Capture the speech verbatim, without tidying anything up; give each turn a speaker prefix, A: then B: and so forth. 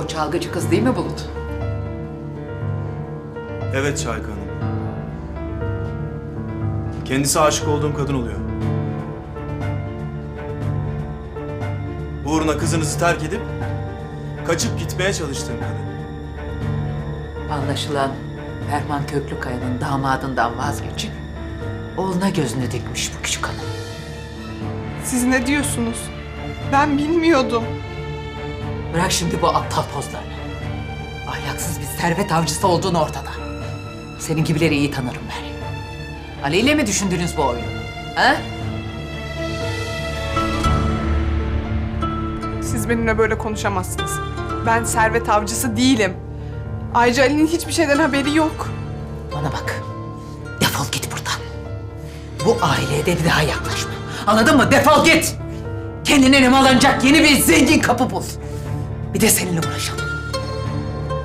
A: o çalgıcı kız değil mi Bulut?
B: Evet Şahika Hanım. Kendisi aşık olduğum kadın oluyor. Uğruna kızınızı terk edip kaçıp gitmeye çalıştığım kadın.
A: Anlaşılan Ferman Köklükaya'nın damadından vazgeçip oğluna gözünü dikmiş bu küçük hanım.
C: Siz ne diyorsunuz? Ben bilmiyordum.
A: Bırak şimdi bu aptal pozlarını. Ahlaksız bir servet avcısı olduğun ortada. Senin gibileri iyi tanırım ben. Ali ile mi düşündünüz bu oyunu? Ha?
C: Siz benimle böyle konuşamazsınız. Ben servet avcısı değilim. Ayrıca Ali'nin hiçbir şeyden haberi yok.
A: Bana bak. Defol git buradan. Bu aileye de bir daha yaklaşma. Anladın mı? Defol git. Kendine nemalanacak yeni bir zengin kapı bul. Bir de seninle uğraşalım.